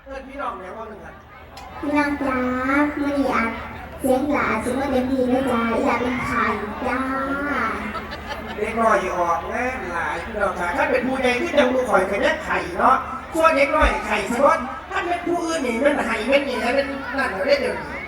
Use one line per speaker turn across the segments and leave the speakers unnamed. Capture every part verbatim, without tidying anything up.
กิดพี่น้องแล้วว่าหนึ่งอ่ะ
พี่นางจ้ามื่อนี้อัดเสียงหลาสิว่าเต็มที่เลยจ้าอยากเป็นไข่จ้า
เด็กน้อยออกแน่หลายพี่น้องค่ะถ้าเป็นผู้ใหญ่ที่จะรู้ข่อยขยันไข่เนาะส่วนเด็กน้อยไข่สมมติถ้าเป็นผู้อื่นนี่มันไข่ไม่นี่แล้วเป็นนั่นเราได้เดี๋ยวนี้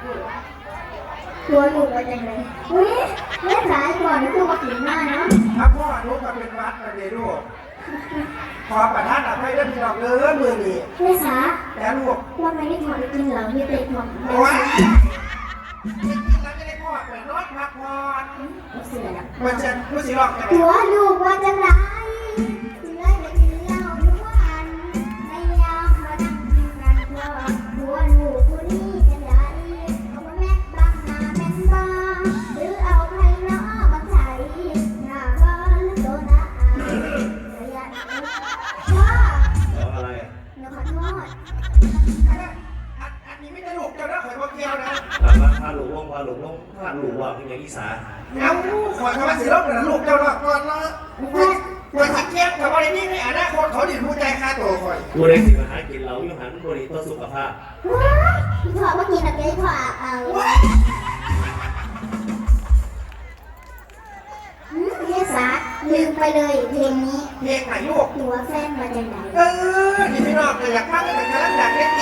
ตัวลูกเป็นยังไงเฮ้ยเล่นสายก่อนนะคือว่าขิงหน้าเนาะ
ถ้าพ่อรู้ก็เป็นวัดนะเดี๋ยวลูกขอประทานอภัยด้วยพี่น้องเด้อมือนี่
เล่นสา
แล้วลูก
ว่าไม่ได้ถอดจริงเหรอที่เตะถอด
โอ้ยจริงๆแล้วจะได้พ่อเปิดรถพักผ่อนมันจะรู้สิหรอก
ตัวลูกว่าจะไรเชื่อเลยเดียวทุกวันในยามมานั่งกินกันเพราะตัวลูกผู้นี้จะได้เอาแม่บังหน้าแม่บ้าหรือเอาใครล้อมาใช้หน้าบ้านโดนอาระยะพ่อ
อะไร
หนูขอโทษ
อันนี้ไม่ได้ลูกเจ้านะข่อยบอกเกี่ยวนะ
พาหลูกลงพาหลูกลงพาหลูกว่าเป็นอย่างอีสาน
เอาข่อยคำว่าสิลบนะลูกเจ้าละก่อนละข่อยสิเกี่ยวกับอะไรนี่ในอนาคตเขาดิผู้ใจค่าตัวข่อย
กูได้สิมาหากินเราอยู่หันบริต่อสุขภาพ
พี่พ่อเมื่อกี้นักเรียนพ่อเอาเรียกสาลืมไปเลยเพลงนี้
เพลงไหนลูก
ตัวแฟนมาจากไหน
เออนี่พี่น้องอยากฟังแต่กำลังอยากเล่น